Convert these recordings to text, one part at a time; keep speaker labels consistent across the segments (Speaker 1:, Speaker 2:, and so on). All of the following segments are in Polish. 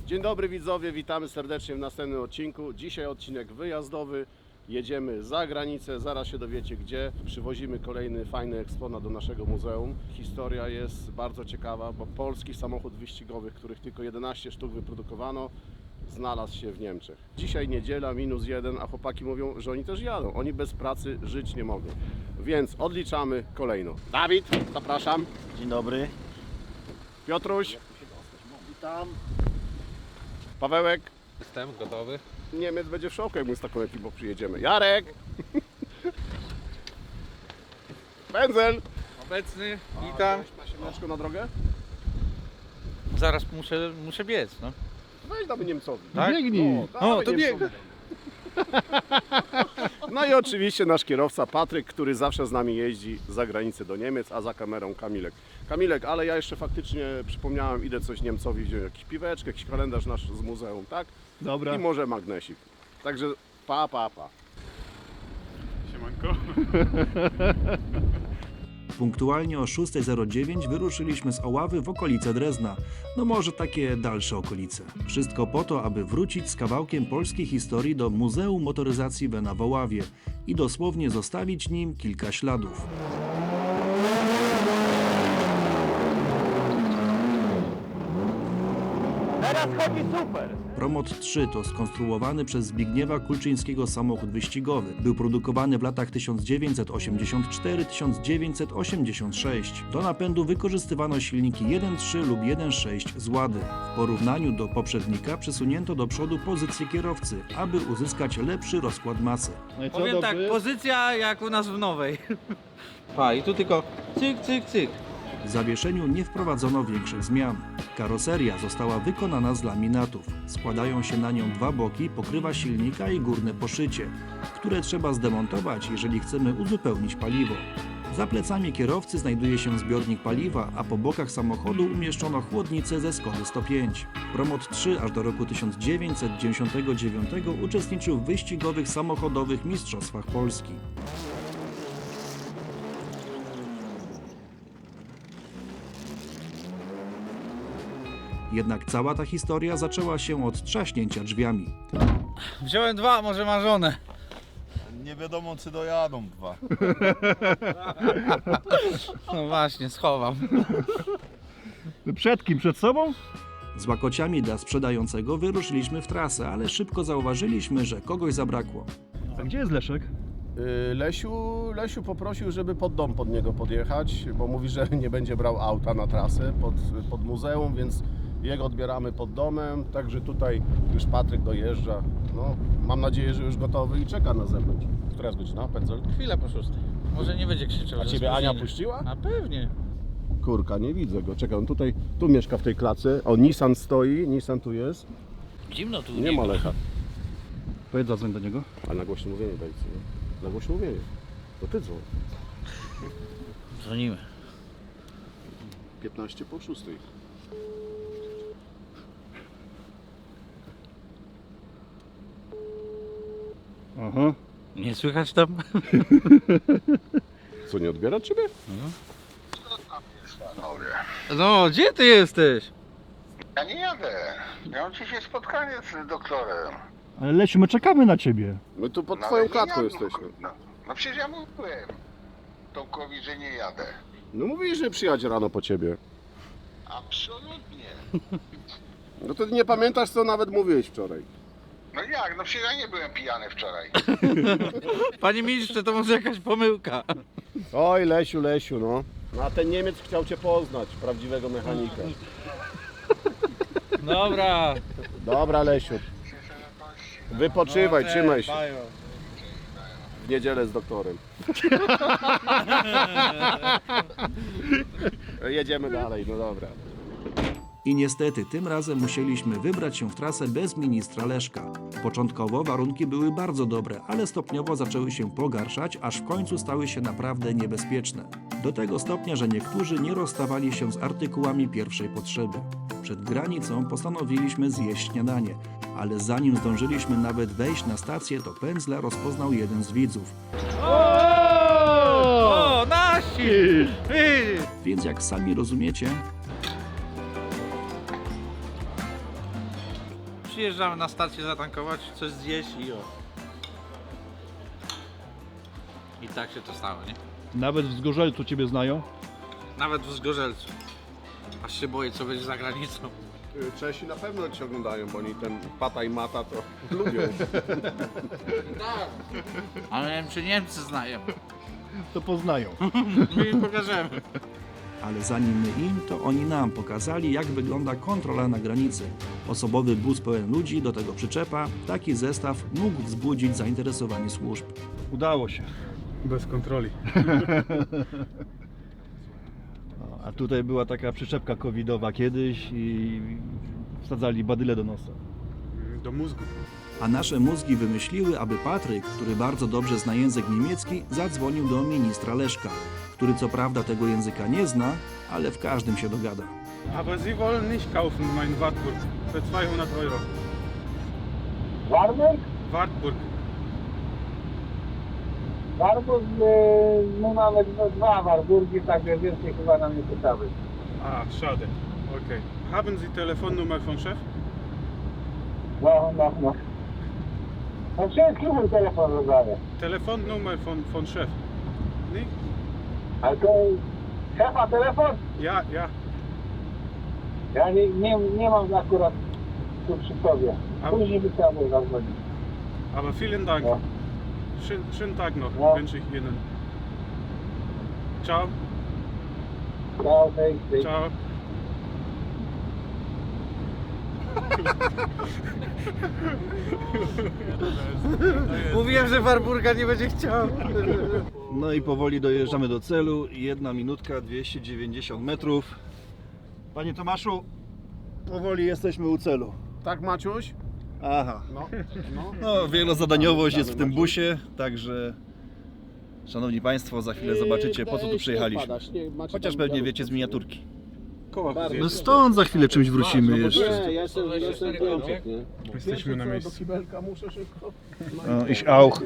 Speaker 1: Dzień dobry widzowie, witamy serdecznie w następnym odcinku. Dzisiaj odcinek wyjazdowy. Jedziemy za granicę, zaraz się dowiecie gdzie. Przywozimy kolejny fajny eksponat do naszego muzeum. Historia jest bardzo ciekawa, bo polski samochód wyścigowy, których tylko 11 sztuk wyprodukowano, znalazł się w Niemczech. Dzisiaj niedziela, -1, a chłopaki mówią, że oni też jadą. Oni bez pracy żyć nie mogą. Więc odliczamy kolejno. Dawid, zapraszam.
Speaker 2: Dzień dobry.
Speaker 1: Piotruś.
Speaker 2: Witam.
Speaker 1: Pawełek.
Speaker 3: Jestem gotowy.
Speaker 1: Niemiec będzie w szoku, jak my z taką ekipą przyjedziemy. Jarek! Pędzel!
Speaker 3: Obecny, witam.
Speaker 1: Masz na drogę?
Speaker 3: Zaraz muszę biec, no.
Speaker 1: Weź damy Niemcowi.
Speaker 3: Tak?
Speaker 2: Biegnij.
Speaker 1: Dawaj
Speaker 3: to
Speaker 1: Niemcowi. No i oczywiście nasz kierowca Patryk, który zawsze z nami jeździ za granicę do Niemiec, a za kamerą Kamilek. Kamilek, ale ja jeszcze faktycznie przypomniałem, idę coś Niemcowi wziąć, jakiś piweczkę, jakiś kalendarz nasz z muzeum, tak?
Speaker 2: Dobra.
Speaker 1: I może magnesik. Także pa.
Speaker 2: Siemanko.
Speaker 4: Punktualnie o 6:09 wyruszyliśmy z Oławy w okolice Drezna. No może takie dalsze okolice. Wszystko po to, aby wrócić z kawałkiem polskiej historii do Muzeum Motoryzacji Wena w Oławie i dosłownie zostawić nim kilka śladów.
Speaker 2: Teraz chodzi super.
Speaker 4: Promot 3 to skonstruowany przez Zbigniewa Kulczyńskiego samochód wyścigowy. Był produkowany w latach 1984-1986. Do napędu wykorzystywano silniki 1.3 lub 1.6 z Łady. W porównaniu do poprzednika przesunięto do przodu pozycję kierowcy, aby uzyskać lepszy rozkład masy.
Speaker 2: No i co,
Speaker 3: Powiem tak,
Speaker 2: dobry?
Speaker 3: pozycja jak u nas w nowej. Pa, i tu tylko cyk, cyk, cyk.
Speaker 4: W zawieszeniu nie wprowadzono większych zmian. Karoseria została wykonana z laminatów. Składają się na nią dwa boki, pokrywa silnika i górne poszycie, które trzeba zdemontować, jeżeli chcemy uzupełnić paliwo. Za plecami kierowcy znajduje się zbiornik paliwa, a po bokach samochodu umieszczono chłodnicę ze Skody 105. Promot 3 aż do roku 1999 uczestniczył w wyścigowych samochodowych mistrzostwach Polski. Jednak cała ta historia zaczęła się od trzaśnięcia drzwiami.
Speaker 3: Wziąłem dwa, może marzone.
Speaker 2: Nie wiadomo czy dojadą dwa.
Speaker 3: No właśnie, schowam.
Speaker 2: Przed kim? Przed sobą?
Speaker 4: Z łakociami dla sprzedającego wyruszyliśmy w trasę, ale szybko zauważyliśmy, że kogoś zabrakło.
Speaker 2: A gdzie jest Leszek?
Speaker 1: Lesiu poprosił, żeby pod dom pod niego podjechać, bo mówi, że nie będzie brał auta na trasę pod muzeum, więc jego odbieramy pod domem, także tutaj już Patryk dojeżdża. No, mam nadzieję, że już gotowy i czeka na zewnątrz. Która jest godzina, Pędzel?
Speaker 3: Chwilę po 6. Może nie będzie krzyczał.
Speaker 1: A
Speaker 3: że
Speaker 1: ciebie Ania
Speaker 3: spóźnienie.
Speaker 1: puściła?
Speaker 3: A pewnie.
Speaker 1: Kurka, nie widzę go. Czekaj, on tutaj, tu mieszka w tej klatce. O, Nissan stoi, Nissan tu jest.
Speaker 3: Zimno tu.
Speaker 1: Nie ma Lecha.
Speaker 2: Powiedz, zadzwoń do niego.
Speaker 1: A na głośno mówienie dajcie, nie? Na głośno mówienie. To ty dzwoń.
Speaker 3: Dzwonimy.
Speaker 1: 15 po 6.
Speaker 2: Aha.
Speaker 3: Nie słychać tam?
Speaker 1: Co, nie odbiera ciebie?
Speaker 3: No, gdzie ty jesteś?
Speaker 5: Ja nie jadę. Ja mam dzisiaj spotkanie z doktorem.
Speaker 2: Ale Lesiu, my czekamy na ciebie.
Speaker 1: My tu pod
Speaker 5: No,
Speaker 1: twoją
Speaker 5: ale nie
Speaker 1: klatką
Speaker 5: jadę.
Speaker 1: jesteśmy.
Speaker 5: No przecież ja mówiłem Tomkowi, że nie jadę.
Speaker 1: No mówisz, że przyjadzie rano po ciebie.
Speaker 5: Absolutnie.
Speaker 1: No to nie pamiętasz, co nawet mówiłeś wczoraj.
Speaker 5: No jak? No przecież ja nie byłem pijany wczoraj.
Speaker 3: Panie ministrze, to może jakaś pomyłka.
Speaker 1: Oj, Lesiu, no. No a ten Niemiec chciał cię poznać, prawdziwego mechanika.
Speaker 3: Dobra.
Speaker 1: Dobra, Lesiu. Wypoczywaj, trzymaj się. W niedzielę z doktorem. Jedziemy dalej, no dobra.
Speaker 4: I niestety tym razem musieliśmy wybrać się w trasę bez ministra Leszka. Początkowo warunki były bardzo dobre, ale stopniowo zaczęły się pogarszać, aż w końcu stały się naprawdę niebezpieczne. Do tego stopnia, że niektórzy nie rozstawali się z artykułami pierwszej potrzeby. Przed granicą postanowiliśmy zjeść śniadanie, ale zanim zdążyliśmy nawet wejść na stację, to pędzla rozpoznał jeden z widzów.
Speaker 3: O, nasi! Ty!
Speaker 4: Więc jak sami rozumiecie,
Speaker 3: Przyjeżdżamy na stację zatankować, coś zjeść i o. I tak się to stało, nie?
Speaker 2: Nawet w Zgorzelcu ciebie znają.
Speaker 3: Nawet w Zgorzelcu. Aż się boję, co będzie za granicą.
Speaker 1: Czesi na pewno Cię oglądają, bo oni ten pata i mata to lubią.
Speaker 3: Tak. Ale nie wiem, czy Niemcy znają.
Speaker 2: To poznają.
Speaker 3: My im pokażemy.
Speaker 4: Ale zanim my im, to oni nam pokazali, jak wygląda kontrola na granicy. Osobowy bus pełen ludzi, do tego przyczepa, taki zestaw mógł wzbudzić zainteresowanie służb.
Speaker 2: Udało się.
Speaker 6: Bez kontroli.
Speaker 2: No, a tutaj była taka przyczepka covidowa kiedyś i wsadzali badyle do nosa.
Speaker 6: Do mózgu.
Speaker 4: A nasze mózgi wymyśliły, aby Patryk, który bardzo dobrze zna język niemiecki, zadzwonił do ministra Leszka, który co prawda tego języka nie zna, ale w każdym się dogada.
Speaker 6: Aber Sie wollen nicht kaufen, mein Wartburg. Für 200 Euro.
Speaker 7: Warburg?
Speaker 6: Wartburg.
Speaker 7: Warburg, my mamy dwa Warburgi, także więcej chyba nam nie pytały.
Speaker 6: Ah, schade. Okay. Haben Sie Telefonnummer von Chef?
Speaker 7: No. No wszystkim mój telefon rozdaję.
Speaker 6: Telefonnummer von Chef. Nicht?
Speaker 7: Ale to szefa telefon?
Speaker 6: Ja.
Speaker 7: Ja nie mam akurat tu przy sobie.
Speaker 6: A-
Speaker 7: Później by trzeba było zadzwonić.
Speaker 6: Aber vielen Dank.
Speaker 7: Ja.
Speaker 6: Schönen Tag noch,
Speaker 7: Ja.
Speaker 6: wünsche ich Ihnen. Ciao.
Speaker 7: Ciao, hej.
Speaker 6: Ciao.
Speaker 3: Mówiłem, że Warburga nie będzie chciał.
Speaker 2: No i powoli dojeżdżamy do celu. 1 minutka, 290 metrów. Panie Tomaszu, powoli jesteśmy u celu.
Speaker 1: Tak, Maciuś?
Speaker 2: Aha.
Speaker 1: No.
Speaker 2: No, wielozadaniowość jest w tym busie, także szanowni Państwo, za chwilę zobaczycie, po co tu przyjechaliśmy. Chociaż pewnie wiecie z miniaturki. No stąd za chwilę czymś wrócimy jeszcze.
Speaker 1: Nie, ja jestem w Niemczech, nie?
Speaker 6: Jesteśmy na
Speaker 1: Do
Speaker 6: miejscu.
Speaker 1: kibelka muszę szybko.
Speaker 2: No, ich auch.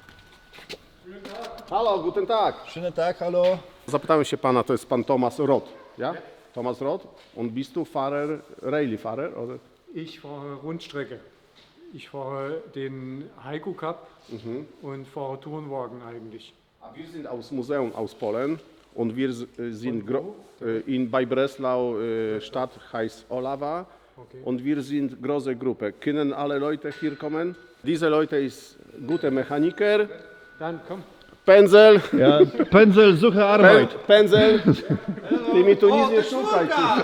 Speaker 1: Halo, guten Tag.
Speaker 2: Schönen Tag, hallo.
Speaker 1: Zapytałem się pana, to jest pan Thomas Roth, ja? Thomas Roth? Und bist du Fahrer, Rallye-Fahrer? Oder?
Speaker 8: Ich fahre Rundstrecke. Ich fahre den Heiko Cup und fahre Tourenwagen eigentlich.
Speaker 1: Wir sind aus Museum aus Polen und wir sind bei Breslau Stadt heißt Olawa
Speaker 8: Okay.
Speaker 1: und wir sind große Gruppe. Können alle Leute hier kommen? Diese Leute ist gute Mechaniker,
Speaker 8: Dann komm.
Speaker 1: Pędzel,
Speaker 2: Ja, Pędzel, suche Arbeit.
Speaker 1: Pędzel. Ty mi tu nic nie szukaj.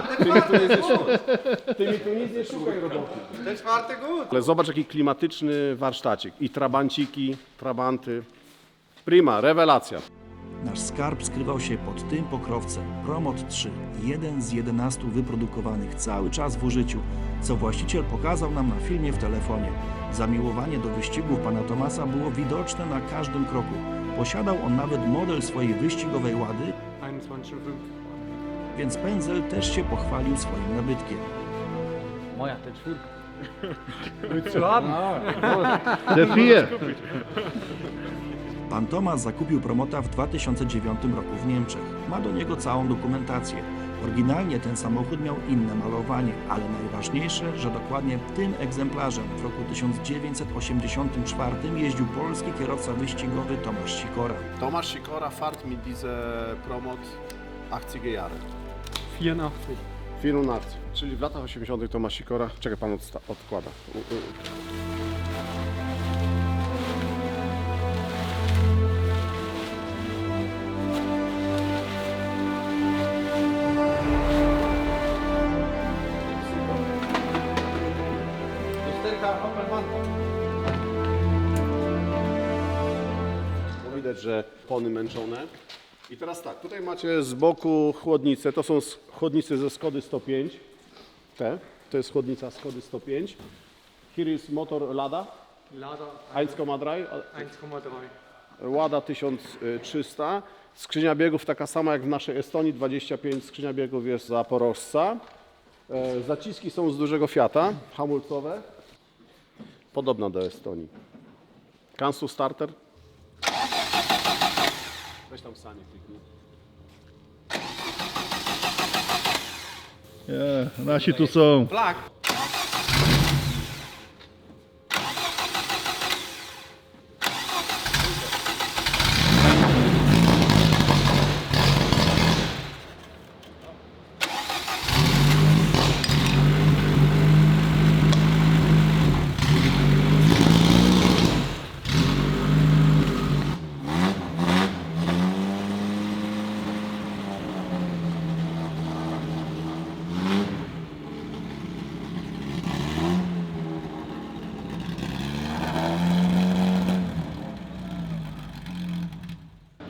Speaker 1: Ty mi tu nic nie szukaj roboty.
Speaker 3: Ten czwarty gód.
Speaker 1: Ale zobacz jaki klimatyczny warsztacik. I trabanciki, trabanty. Prima, rewelacja.
Speaker 4: Nasz skarb skrywał się pod tym pokrowcem. Promot 3, jeden z 11 wyprodukowanych cały czas w użyciu, co właściciel pokazał nam na filmie w telefonie. Zamiłowanie do wyścigów pana Tomasa było widoczne na każdym kroku. Posiadał on nawet model swojej wyścigowej Łady,
Speaker 8: 21,5.
Speaker 4: więc Pędzel też się pochwalił swoim nabytkiem.
Speaker 8: Moja, ten czwórka. Willst du haben?
Speaker 2: Te vier.
Speaker 4: Pan Tomasz zakupił Promota w 2009 roku w Niemczech. Ma do niego całą dokumentację. Oryginalnie ten samochód miał inne malowanie, ale najważniejsze, że dokładnie tym egzemplarzem w roku 1984 jeździł polski kierowca wyścigowy Tomasz Sikora.
Speaker 1: Tomasz Sikora fährt mit diese Promot 80er Jahre.
Speaker 8: 84.
Speaker 1: 84. Czyli w latach 80. Tomasz Sikora. Czekaj, pan odkłada.
Speaker 3: Lusterka Opelmanta.
Speaker 1: Widać, że pony męczone. I teraz tak, tutaj macie z boku chłodnicę. To są chłodnice ze Skody 105. To jest chłodnica Skody 105. Here is motor Lada
Speaker 8: Lada
Speaker 1: 1,3.
Speaker 8: 1,3.
Speaker 1: Łada 1300. Skrzynia biegów taka sama jak w naszej Estonii, 25 skrzynia biegów jest Zaporożca. Zaciski są z dużego Fiata, hamulcowe. Podobna do Estonii. Kansu starter. Weź tam sanie kliknij.
Speaker 2: Nasi tu są.
Speaker 3: Flak.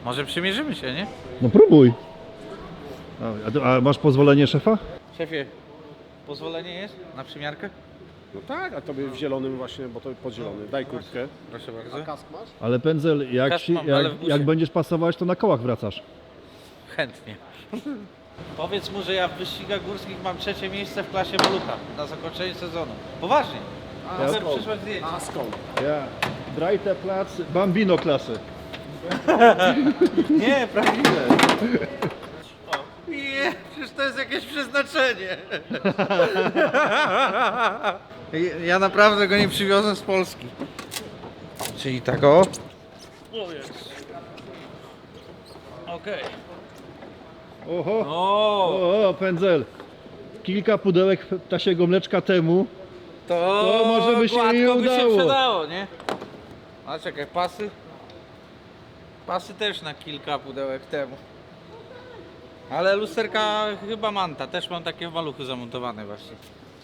Speaker 3: Może przymierzymy się, nie?
Speaker 2: No próbuj. A masz pozwolenie szefa?
Speaker 3: Szefie, pozwolenie jest na przymiarkę?
Speaker 1: No tak, a tobie w zielonym właśnie, bo to podzielony. Daj kurtkę.
Speaker 3: Proszę bardzo.
Speaker 1: Kask masz?
Speaker 2: Ale pędzel,
Speaker 3: Kask mam, ale w busie.
Speaker 2: jak będziesz pasować, to na kołach wracasz.
Speaker 3: Chętnie. Powiedz mu, że ja w wyścigach górskich mam 3. miejsce w klasie malucha na zakończenie sezonu. Poważnie.
Speaker 1: A
Speaker 3: Mogę
Speaker 1: skąd?
Speaker 3: przysłać zdjęcie.
Speaker 1: A skąd?
Speaker 2: Ja. Drajte plac, bambino klasy.
Speaker 3: Nie, prawdziwe. Nie, przecież to jest jakieś przeznaczenie. Ja naprawdę go nie przywiozę z Polski. Czyli tak o. O jest. Okej.
Speaker 2: Oho,
Speaker 3: O,
Speaker 2: o, pędzel. Kilka pudełek ptasiego mleczka temu.
Speaker 3: to
Speaker 2: może by się
Speaker 3: gładko
Speaker 2: nie
Speaker 3: by się
Speaker 2: udało.
Speaker 3: przydało, nie? A czekaj, pasy? Pasy też na kilka pudełek temu. Ale lusterka chyba Manta, też mam takie w maluchu zamontowane właśnie.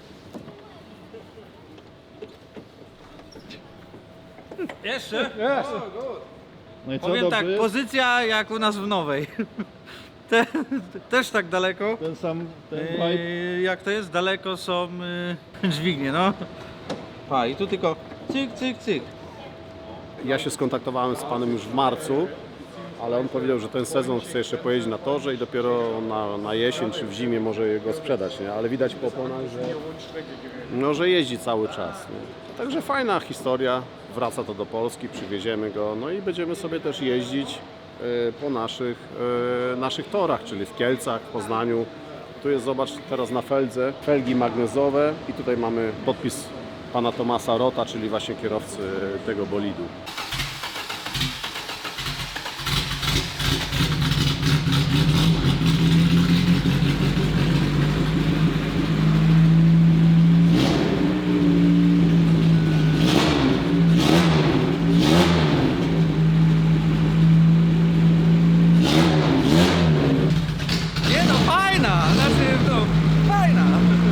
Speaker 3: Jeszcze?
Speaker 2: No i co,
Speaker 3: Powiem tak,
Speaker 2: dobry?
Speaker 3: pozycja jak u nas w Nowej. Też tak daleko.
Speaker 2: Ten sam, ten pipe.
Speaker 3: Jak to jest? Daleko są dźwignie, no. Pa, i tu tylko cyk, cyk, cyk.
Speaker 1: Ja się skontaktowałem z panem już w marcu, ale on powiedział, że ten sezon chce jeszcze pojeździć na torze i dopiero na jesień czy w zimie może go sprzedać, nie? Ale widać po oponach, że jeździ cały czas. Nie? Także fajna historia, wraca to do Polski, przywieziemy go, no i będziemy sobie też jeździć po naszych torach, czyli w Kielcach, w Poznaniu. Tu jest, zobacz, teraz na feldze, felgi magnezowe i tutaj mamy podpis pana Tomasa Rota, czyli właśnie kierowcy tego bolidu.
Speaker 3: Nie no, fajna! Znaczy, no, fajna!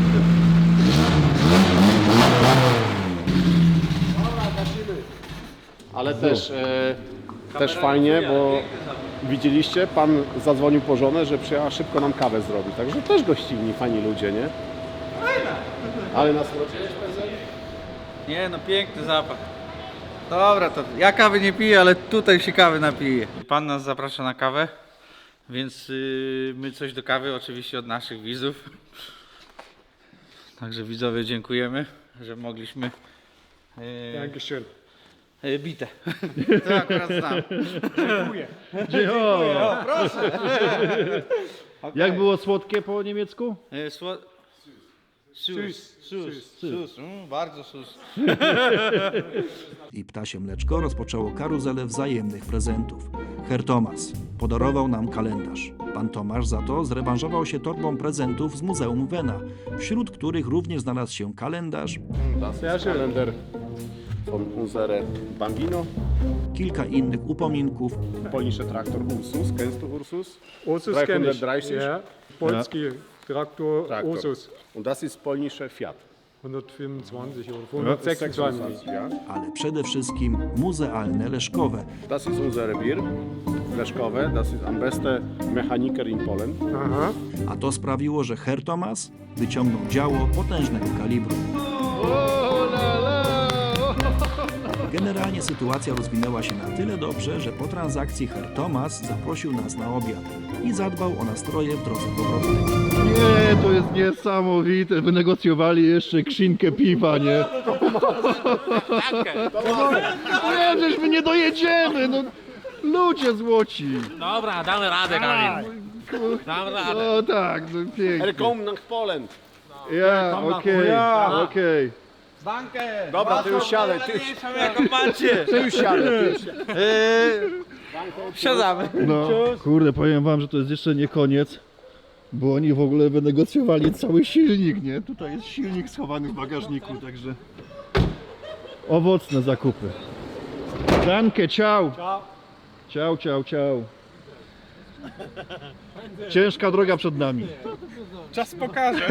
Speaker 1: Ale też fajnie, bo widzieliście, pan zadzwonił po żonę, że przyjechała szybko nam kawę zrobić. Także też gościnni, fajni ludzie, nie? Ale nas wróciłeś,
Speaker 3: Nie no, piękny zapach. Dobra, to ja kawy nie piję, ale tutaj się kawy napiję. Pan nas zaprasza na kawę, więc my coś do kawy oczywiście od naszych widzów. Także widzowie dziękujemy, że mogliśmy
Speaker 8: Dankeschön.
Speaker 3: bite. To akurat znam.
Speaker 8: Dziękuję.
Speaker 2: O,
Speaker 3: Proszę.
Speaker 2: jak było słodkie po niemiecku?
Speaker 3: Sus. Bardzo sus.
Speaker 4: I ptasie mleczko rozpoczęło karuzelę wzajemnych prezentów. Herr Thomas podarował nam kalendarz. Pan Tomasz za to zrewanżował się torbą prezentów z Muzeum Wena, wśród których również znalazł się kalendarz,
Speaker 1: Das Kalender von unsere Bambino,
Speaker 4: kilka innych upominków,
Speaker 1: polnische Traktor Ursus, kennst du Ursus?
Speaker 8: Ursus kenne ich.
Speaker 1: 330.
Speaker 8: Ja, polski Traktor
Speaker 1: Traktor.
Speaker 8: Ursus.
Speaker 1: Und das ist polnische Fiat.
Speaker 8: 125 oder 126.
Speaker 1: Ja.
Speaker 4: ale przede wszystkim muzealne leszkowe,
Speaker 1: Das ist unsere Bier, Leszkowe, das ist am besten Mechaniker in Polen.
Speaker 8: Aha.
Speaker 4: a to sprawiło, że Herr Thomas wyciągnął działo potężnego kalibru. Generalnie sytuacja rozwinęła się na tyle dobrze, że po transakcji Herr Thomas zaprosił nas na obiad i zadbał o nastroje w drodze powrotnej.
Speaker 2: Nie, to jest niesamowite. Wynegocjowali jeszcze krzynkę piwa, nie? Nie, przecież my nie dojedziemy, no. Ludzie złoci.
Speaker 9: Dobra, damy radę, Kamil. Damy radę.
Speaker 2: No tak, no pięknie.
Speaker 1: Kom nach Polen.
Speaker 2: Ja, okej.
Speaker 3: Bankę!
Speaker 1: Dobra, ty już siadaj, ty już,
Speaker 3: Jaką macie?
Speaker 1: ty już siadaj. Ty już siadaj.
Speaker 3: Siadamy.
Speaker 2: No, kurde, powiem wam, że to jest jeszcze nie koniec, bo oni w ogóle wynegocjowali cały silnik, nie? Tutaj jest silnik schowany w bagażniku, także owocne zakupy. Danke, ciao. Ciao, ciao, ciao. Ciężka droga przed nami.
Speaker 6: Czas pokaże.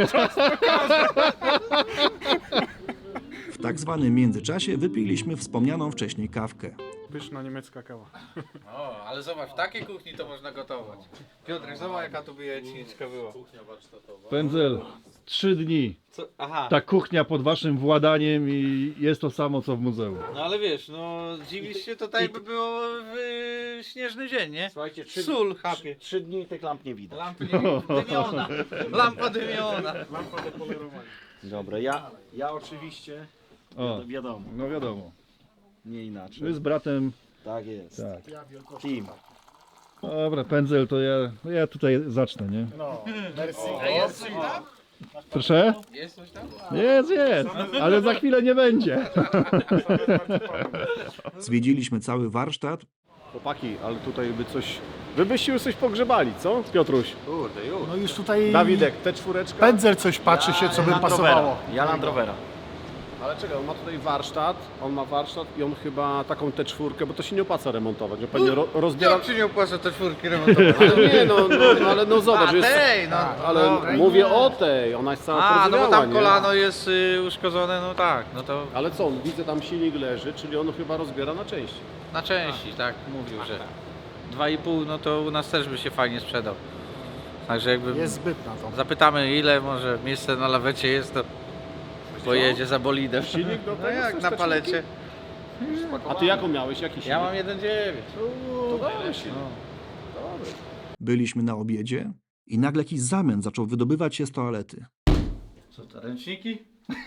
Speaker 4: W tak zwanym międzyczasie wypiliśmy wspomnianą wcześniej kawkę.
Speaker 6: Pyszna niemiecka kawa.
Speaker 3: O, ale zobacz, w takiej kuchni to można gotować. Piotrek, zobacz jaka tu by jajeczniczka była.
Speaker 2: Pędzel, 3 dni.
Speaker 3: Co? Aha.
Speaker 2: Ta kuchnia pod waszym władaniem i jest to samo co w muzeum.
Speaker 3: No ale wiesz, no dziwisz się, to tak by było w śnieżny dzień, nie?
Speaker 10: Słuchajcie,
Speaker 3: Sól chapie.
Speaker 10: 3 dni tych lamp nie widać.
Speaker 3: Lampa dymiona. Lampa dymiona.
Speaker 10: Dobra, ja oczywiście,
Speaker 2: O,
Speaker 10: wiadomo,
Speaker 2: no wiadomo.
Speaker 10: nie inaczej.
Speaker 2: My z bratem.
Speaker 10: Tak jest.
Speaker 2: Tak.
Speaker 10: Team.
Speaker 2: Dobra, Pędzel, to ja tutaj zacznę, nie?
Speaker 3: Jest coś tam?
Speaker 2: Proszę?
Speaker 3: Jest coś tam?
Speaker 2: Jest, ale za chwilę nie będzie.
Speaker 4: Zwiedziliśmy cały warsztat,
Speaker 1: Chłopaki, ale tutaj by coś... Wy byście już coś pogrzebali, co? Piotruś.
Speaker 3: Kurde, już.
Speaker 11: No już tutaj
Speaker 1: Dawidek, te czwóreczka.
Speaker 11: Pędzel coś patrzy się, co by pasowało.
Speaker 10: Ja Land Rovera.
Speaker 1: Ale czekaj, on ma tutaj warsztat, i on chyba taką T4, bo to się nie opłaca remontować, on pewnie rozbiera...
Speaker 3: Jak się nie opłaca te czwórki remontować?
Speaker 1: Ale nie, ale no zobacz,
Speaker 3: A,
Speaker 1: jest...
Speaker 3: tej, no.
Speaker 1: Ale
Speaker 3: Dobra.
Speaker 1: mówię o tej, ona jest cała
Speaker 3: A, no bo
Speaker 1: porozwiała,
Speaker 3: tam
Speaker 1: nie?
Speaker 3: kolano jest uszkodzone, no tak, no to
Speaker 1: Ale co, on widzę tam silnik leży, czyli on chyba rozbiera na części.
Speaker 3: na części, tak, mówił, że 2,5, no to u nas też by się fajnie sprzedał. Także jakby
Speaker 11: Jest zbyt na to.
Speaker 3: zapytamy ile może miejsce na lawecie jest, to pojedzie za bolidem.
Speaker 1: Silnik do
Speaker 3: No
Speaker 1: tego
Speaker 3: jak
Speaker 1: chcesz
Speaker 3: na
Speaker 1: te
Speaker 3: palecie.
Speaker 1: A ty jaką miałeś? Jaki silnik?
Speaker 3: Ja mam 1,9.
Speaker 1: To dobry silnik.
Speaker 4: byliśmy na obiedzie i nagle jakiś zamęt zaczął wydobywać się z toalety.
Speaker 3: Co to, ręczniki?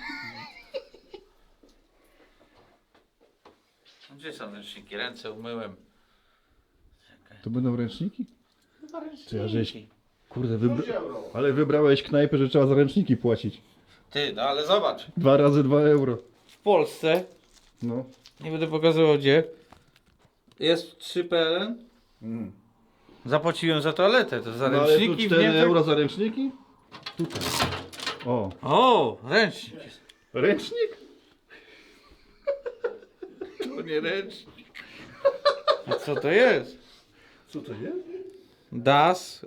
Speaker 3: Gdzie są ręczniki? Ręce umyłem.
Speaker 2: To będą ręczniki? Czy ja żeś...
Speaker 3: Ręczniki.
Speaker 2: Kurde, ale wybrałeś knajpę, że trzeba za ręczniki płacić.
Speaker 3: Ty, no ale zobacz.
Speaker 2: 2 razy 2 euro.
Speaker 3: W Polsce,
Speaker 2: No.
Speaker 3: nie będę pokazywał gdzie, jest 3 PLN. Zapłaciłem za toaletę, to za
Speaker 2: No ale tu
Speaker 3: ręczniki w
Speaker 2: 4
Speaker 3: Niemczech.
Speaker 2: euro za ręczniki? Tutaj. O.
Speaker 3: O, ręcznik.
Speaker 2: Ręcznik?
Speaker 3: To nie ręcznik. A co to jest?
Speaker 2: Co to jest?
Speaker 3: Das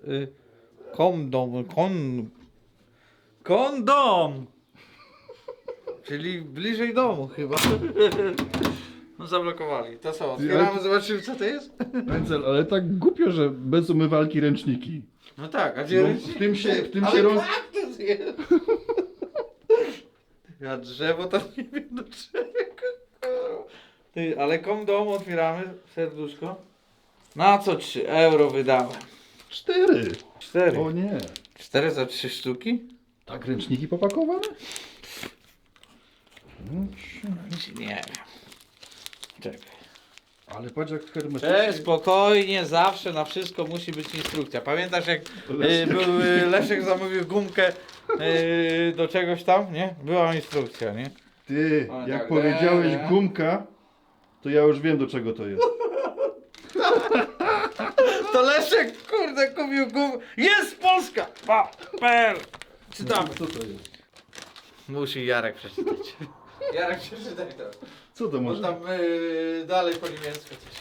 Speaker 3: kondom. Czyli bliżej domu chyba. No zablokowali. To co, otwieramy, zobaczymy co to jest?
Speaker 2: Pędzel, ale tak głupio, że bez umywalki ręczniki.
Speaker 3: No tak, a gdzie
Speaker 2: No,
Speaker 3: ręcznik?
Speaker 2: w tym się
Speaker 3: Ale
Speaker 2: roz...
Speaker 3: kaktus jest. Ja drzewo tam nie wiem do czego. Ty, ale kondom otwieramy, serduszko. Na co 3 euro wydałem?
Speaker 2: 4.
Speaker 3: 4.
Speaker 2: O nie.
Speaker 3: 4 za 3 sztuki?
Speaker 2: Tak ręczniki popakowane?
Speaker 3: Nie wiem. Czekaj.
Speaker 2: Ale patrz jak hermetycznie.
Speaker 3: Spokojnie, zawsze na wszystko musi być instrukcja. Pamiętasz jak był Leszek zamówił gumkę do czegoś tam, nie? Była instrukcja, nie?
Speaker 2: Ty,
Speaker 3: O,
Speaker 2: jak
Speaker 3: tak,
Speaker 2: powiedziałeś
Speaker 3: nie.
Speaker 2: gumka, to ja już wiem do czego to jest.
Speaker 3: To Leszek, kurde, kupił gumkę. Jest Polska! PL. Czytamy.
Speaker 2: Co to jest?
Speaker 3: Musi Jarek przeczytać. Jarek przeczytaj to.
Speaker 2: Co to
Speaker 3: Bo
Speaker 2: może?
Speaker 3: tam dalej po niemiecku coś.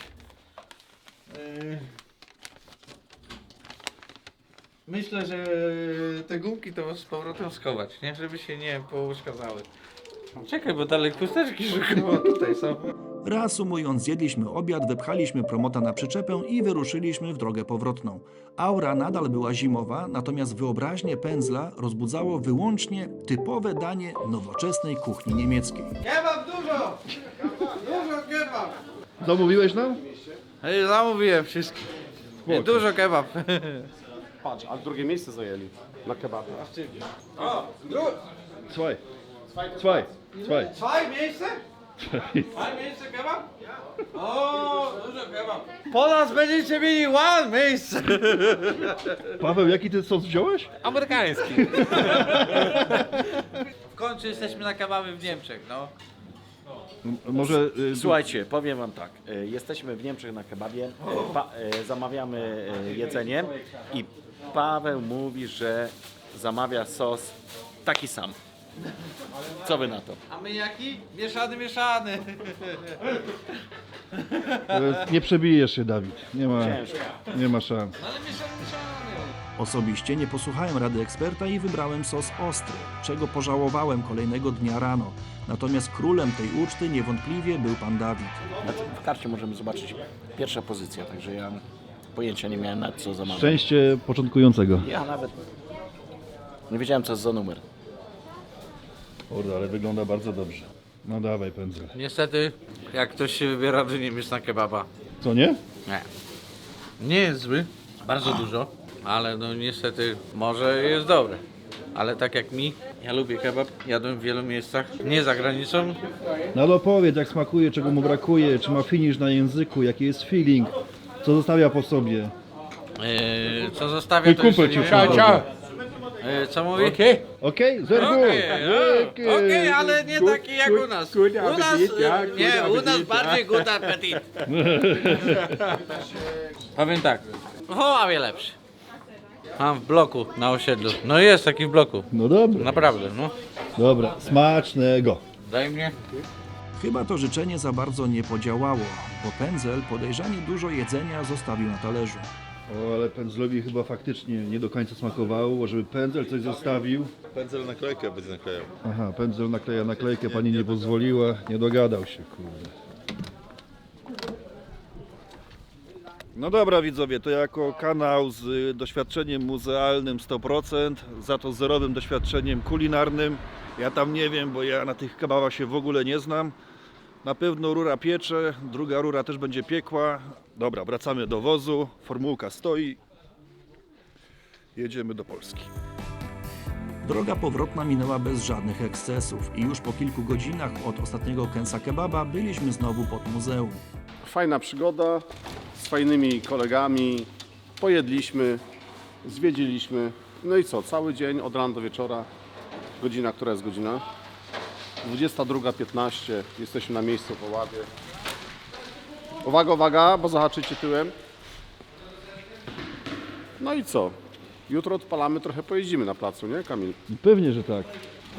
Speaker 3: Myślę, że te gumki to z powrotem schować, nie? Żeby się nie pouszkadzały. Czekaj, bo dalej chusteczki szukam, tutaj są.
Speaker 4: Reasumując, zjedliśmy obiad, wypchaliśmy promota na przyczepę i wyruszyliśmy w drogę powrotną. Aura nadal była zimowa, natomiast wyobraźnię Pędzla rozbudzało wyłącznie typowe danie nowoczesnej kuchni niemieckiej.
Speaker 3: Kebab dużo! Dużo kebab!
Speaker 2: Zamówiłeś nam?
Speaker 3: Zamówiłem wszystko. Dużo kebab.
Speaker 1: Patrz, a drugie miejsce zajęli na kebabie.
Speaker 3: O,
Speaker 2: Słuchaj.
Speaker 3: Zwei miejsce? Zwei miejsce kebab? O, dużo kebab. Po nas będziecie mieli one miejsce.
Speaker 2: Paweł, jaki ty sos wziąłeś?
Speaker 9: Amerykański.
Speaker 3: W końcu jesteśmy na kebabie w Niemczech, no.
Speaker 2: Może...
Speaker 10: Słuchajcie, powiem wam tak. Jesteśmy w Niemczech na kebabie, zamawiamy jedzenie i Paweł mówi, że zamawia sos taki sam. Co wy na to?
Speaker 3: A my jaki? Mieszany, mieszany.
Speaker 2: Nie przebijesz się, Dawid.
Speaker 10: Ciężko.
Speaker 2: Nie ma szans.
Speaker 3: Ale mieszany, mieszany.
Speaker 4: Osobiście nie posłuchałem rady eksperta i wybrałem sos ostry, czego pożałowałem kolejnego dnia rano. Natomiast królem tej uczty niewątpliwie był pan Dawid.
Speaker 10: W karcie możemy zobaczyć pierwsza pozycja, także ja pojęcia nie miałem nad co zamawiam.
Speaker 2: Szczęście początkującego.
Speaker 10: Ja nawet nie wiedziałem co jest za numer.
Speaker 2: Kurde, ale wygląda bardzo dobrze. No dawaj pędzel.
Speaker 3: Niestety, jak ktoś się wybiera do Niemiec na kebaba,
Speaker 2: Co nie?
Speaker 3: nie. Nie jest zły, bardzo dużo, ale no niestety może jest dobry. Ale tak jak mi, ja lubię kebab, jadłem w wielu miejscach, nie za granicą.
Speaker 2: No ale opowiedz jak smakuje, czego mu brakuje, czy ma finish na języku, jaki jest feeling, co zostawia po sobie.
Speaker 3: Co zostawia
Speaker 2: Mój
Speaker 3: to jeszcze
Speaker 2: kumpel
Speaker 3: nie
Speaker 2: ci
Speaker 3: wiem.
Speaker 2: przychodzi.
Speaker 3: Co mówi?
Speaker 2: Okej? Zerku!
Speaker 3: Okej, ale nie taki jak u nas. U nas, nie, u nas bardziej good appetit. Powiem tak, w Oławie lepszy. Mam w bloku na osiedlu. No jest taki w bloku.
Speaker 2: No dobra,
Speaker 3: Naprawdę, no.
Speaker 2: dobra, smacznego.
Speaker 3: Daj mnie.
Speaker 4: Chyba to życzenie za bardzo nie podziałało, bo pędzel podejrzanie dużo jedzenia zostawił na talerzu.
Speaker 2: O, ale pędzlowi chyba faktycznie nie do końca smakowało, żeby pędzel coś zostawił.
Speaker 12: Pędzel naklejkę będzie naklejał.
Speaker 2: Aha, pędzel nakleja naklejkę, pani nie pozwoliła, nie dogadał się, kurde. No dobra widzowie, to jako kanał z doświadczeniem muzealnym 100%, za to zerowym doświadczeniem kulinarnym. Ja tam nie wiem, bo ja na tych kebabach się w ogóle nie znam. Na pewno rura piecze, druga rura też będzie piekła. Dobra, wracamy do wozu, formułka stoi. Jedziemy do Polski.
Speaker 4: Droga powrotna minęła bez żadnych ekscesów i już po kilku godzinach od ostatniego kęsa kebaba byliśmy znowu pod muzeum.
Speaker 1: Fajna przygoda z fajnymi kolegami. Pojedliśmy, zwiedziliśmy. No i co? Cały dzień od rana do wieczora. Godzina, która jest godzina? 22:15. Jesteśmy na miejscu w Oławie. Uwaga, uwaga, bo zahaczycie tyłem. No i co? Jutro odpalamy, trochę pojeździmy na placu, nie Kamil?
Speaker 2: Pewnie, że tak.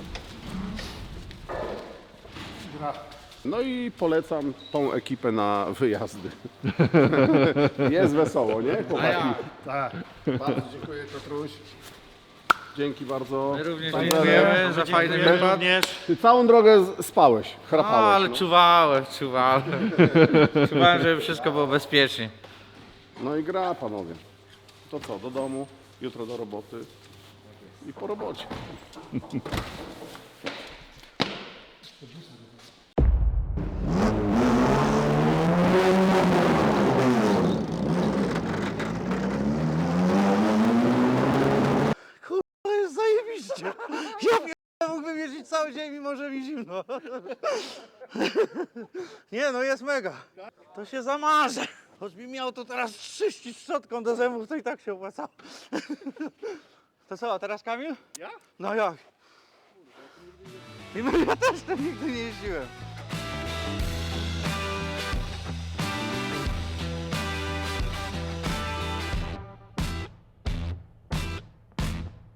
Speaker 1: No i polecam tą ekipę na wyjazdy. Jest wesoło, nie chłopaki?
Speaker 11: Tak.
Speaker 1: Bardzo dziękuję Piotruś. Dzięki bardzo.
Speaker 3: My również
Speaker 1: Pan
Speaker 3: dziękujemy
Speaker 1: Zenek.
Speaker 3: za fajny wypad.
Speaker 1: Ty całą drogę spałeś,
Speaker 3: No,
Speaker 1: chrapałeś.
Speaker 3: ale
Speaker 1: no.
Speaker 3: czuwałem. Czuwałem, żeby wszystko było bezpiecznie.
Speaker 1: No i gra panowie. To co, do domu, jutro do roboty i po robocie.
Speaker 3: To jest zajebiście. Ja mógłbym jeździć cały dzień, mimo że mi zimno. Nie no, jest mega. To się zamarzę. Choćbym miał to teraz czyścić szczotką do zębów, to i tak się opłacało. To co, a teraz Kamil? Ja? No jak? Ja też tam nigdy nie jeździłem.